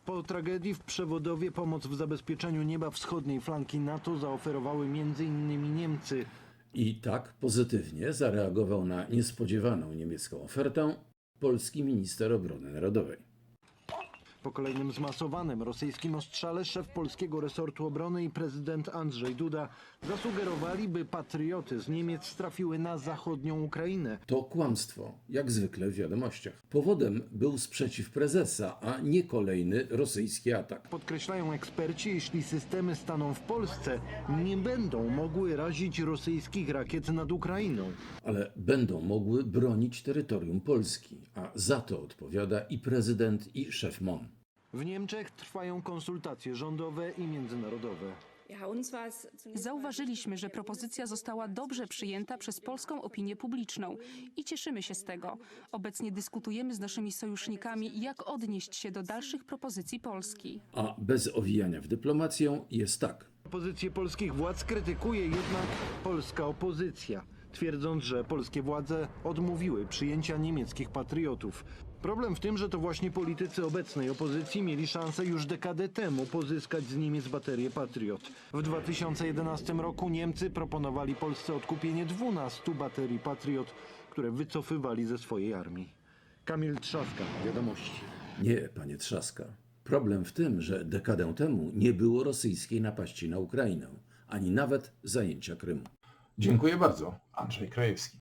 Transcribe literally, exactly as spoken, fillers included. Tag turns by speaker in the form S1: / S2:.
S1: Po tragedii w Przewodowie pomoc w zabezpieczeniu nieba wschodniej flanki NATO zaoferowały między innymi Niemcy.
S2: I tak pozytywnie zareagował na niespodziewaną niemiecką ofertę polski minister obrony narodowej.
S1: Po kolejnym zmasowanym rosyjskim ostrzale szef polskiego resortu obrony i prezydent Andrzej Duda zasugerowali, by patrioty z Niemiec trafiły na zachodnią Ukrainę.
S2: To kłamstwo, jak zwykle w wiadomościach. Powodem był sprzeciw prezesa, a nie kolejny rosyjski atak.
S1: Podkreślają eksperci, jeśli systemy staną w Polsce, nie będą mogły razić rosyjskich rakiet nad Ukrainą.
S2: Ale będą mogły bronić terytorium Polski, a za to odpowiada i prezydent, i szef M O N.
S1: W Niemczech trwają konsultacje rządowe i międzynarodowe.
S3: Zauważyliśmy, że propozycja została dobrze przyjęta przez polską opinię publiczną i cieszymy się z tego. Obecnie dyskutujemy z naszymi sojusznikami, jak odnieść się do dalszych propozycji Polski.
S2: A bez owijania w dyplomację jest tak.
S1: Pozycję polskich władz krytykuje jednak polska opozycja, twierdząc, że polskie władze odmówiły przyjęcia niemieckich patriotów. Problem w tym, że to właśnie politycy obecnej opozycji mieli szansę już dekadę temu pozyskać z Niemiec baterię Patriot. W dwa tysiące jedenastym roku Niemcy proponowali Polsce odkupienie dwunastu baterii Patriot, które wycofywali ze swojej armii. Kamil Trzaska, Wiadomości.
S2: Nie, panie Trzaska. Problem w tym, że dekadę temu nie było rosyjskiej napaści na Ukrainę, ani nawet zajęcia Krymu.
S4: Dziękuję bardzo. Andrzej Krajewski.